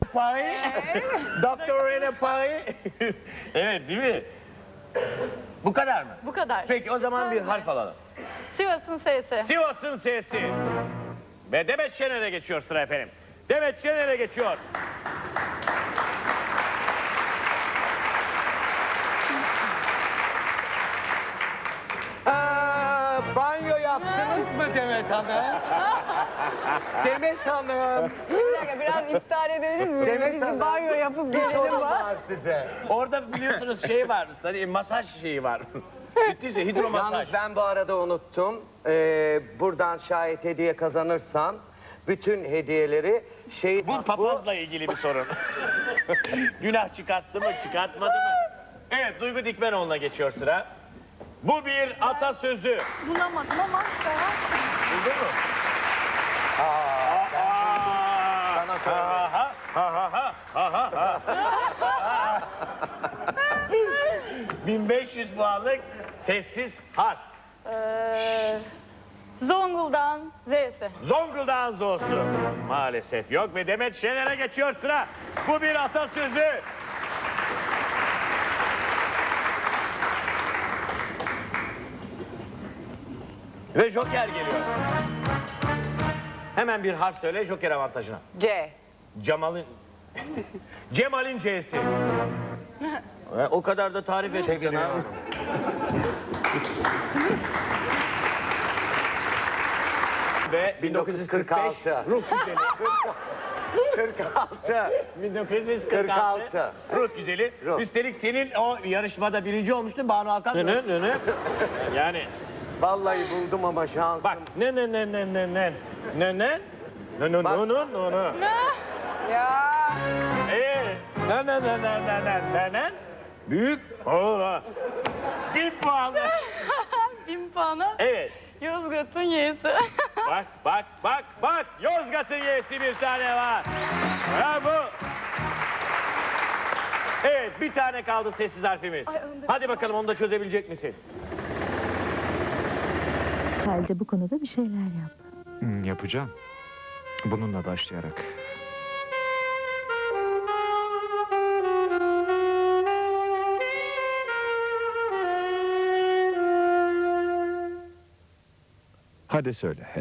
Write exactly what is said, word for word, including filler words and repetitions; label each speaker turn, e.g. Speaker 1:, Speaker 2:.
Speaker 1: Paris. Doktor in Paris. Evet, değil mi? Bu kadar mı?
Speaker 2: Bu kadar.
Speaker 1: Peki o zaman bir harf alalım.
Speaker 2: Sivas'ın S'si.
Speaker 1: Sivas'ın S'si. Ve Demet Şener'e geçiyor sıra efendim. Demet Şener'e geçiyor.
Speaker 3: Aa, banyo yaptınız mı Demet Hanım? Demet Hanım.
Speaker 4: Bir dakika biraz iptal edebiliriz mi?
Speaker 3: Demet
Speaker 4: Biz
Speaker 3: Hanım.
Speaker 4: bir banyo yapıp
Speaker 3: Bir sorum
Speaker 4: gelelim var.
Speaker 3: var size.
Speaker 1: Orada biliyorsunuz şey var, hani masaj şeyi var. Bittiyse hidromasaj.
Speaker 3: Yalnız ben bu arada unuttum. Ee, buradan şayet hediye kazanırsam bütün hediyeleri şey...
Speaker 1: Bu papazla ilgili bir sorun. Günah çıkarttı mı, çıkartmadı mı? Evet, Duygu Dikmenoğlu'na geçiyor sıra. Bu bir atasözü.
Speaker 2: Bulamadım ama tamam.
Speaker 1: Buldun mu?
Speaker 3: Aa,
Speaker 1: Aa,
Speaker 3: Sana söyle.
Speaker 1: ha ha ha ha ha ha ha. bin beş yüz puanlık sessiz harf.
Speaker 2: Ee, Zonguldak'ın Z'si.
Speaker 1: Zonguldak'ın zosu. Maalesef yok ve Demet Şener'e geçiyor sıra. Bu bir atasözü. Ve Joker geliyor. Hemen bir harf söyle Joker avantajına.
Speaker 4: C.
Speaker 1: Cemal'in... Cemal'in C'si. E, o kadar da tarif ettik sana.
Speaker 3: Çeviriyorum.
Speaker 1: Ve
Speaker 3: bin dokuz yüz kırk altı.
Speaker 1: ruh güzeli.
Speaker 3: kırk altı.
Speaker 1: bin dokuz yüz kırk
Speaker 3: kırk
Speaker 1: altı.
Speaker 3: altı.
Speaker 1: Ruh güzeli.
Speaker 3: Ruh.
Speaker 1: Üstelik senin o yarışmada birinci olmuştun Banu Alkan. Ne ne ne ne. Yani
Speaker 3: Vallahi buldum ama şansım.
Speaker 1: bak ne ne ne ne ne ne ne ne ne ne
Speaker 3: Bak.
Speaker 1: ne ne ne ne.
Speaker 4: Ya.
Speaker 1: Evet. Ne ne ne ne ne ne ne ne. Büyük. Ola. Bin puan.
Speaker 2: Bin puanı.
Speaker 1: Evet.
Speaker 2: Yozgat'ın Y'si.
Speaker 1: Bak bak bak bak. Yozgat'ın Y'si bir tane var. Bravo. Evet bir tane kaldı sessiz harfimiz.
Speaker 2: Ay, önde-
Speaker 1: Hadi bakalım onu da çözebilecek misin?
Speaker 5: Halde bu konuda bir şeyler yap.
Speaker 6: Hmm, yapacağım. Bununla başlayarak. Hadi söyle.